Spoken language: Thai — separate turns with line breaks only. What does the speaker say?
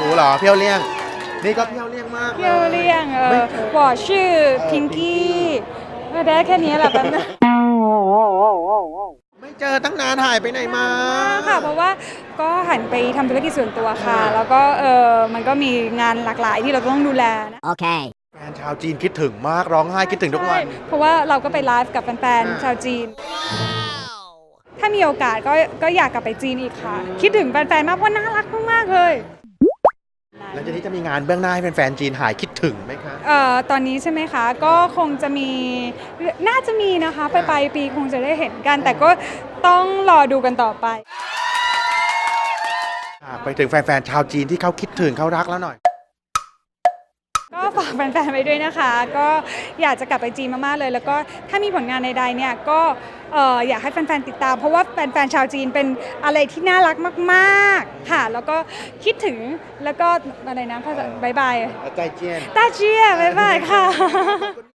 เหรอเพียวเลี่ยงนี่ก็เพียวเลี่ยงมาก
เพียวเลี่ยง我是พิงกี้ได้แค่นี้แหละแป๊บนึง
ไม่เจอตั้งนานหายไปไหนมา
ค่ะเพราะว่าก็หันไปทำธุรกิจส่วนตัวค่ะ แล้วก็มันก็มีงานหลากหลายที่เราต้องดูแลนะ
Okay.
แฟนชาวจีนคิดถึงมากร้องไห้คิดถึงทุกวัน
เพราะว่าเราก็ไปไลฟ์กับแฟนๆชาวจีน ถ้ามีโอกาสก็อยากกลับไปจีนอีกค่ะ คิดถึงแฟนๆมากเพราะน่ารักมากๆเลย
แล้วทีนี้จะมีงานเบื้องหน้าให้แฟนๆจีนหายคิดถึงไหมคะ
ตอนนี้ใช่ไหมคะ ก็คงจะมีน่าจะมีนะคะไปลายปีคงจะได้เห็นกัน แต่ก็ต้องรอดูกันต่อไป
ไปถึงแฟนๆชาวจีนที่เขาคิดถึงเขารักแล้วหน่อย
ก็ฝากแฟนๆไว้ด้วยนะคะ ก็อยากจะกลับไปจีนมากๆเลย แล้วก็ถ้ามีผลงานใดๆเนี่ยก็อยากให้แฟนๆติดตาม เพราะว่าแฟนๆชาวจีนเป็นอะไรที่น่ารักมากๆค่ะ แล้วก็คิดถึงแล้วก็อะไรนะภาษาบายบาย
ใจเจียน
ต้าเจียบายบายค่ะ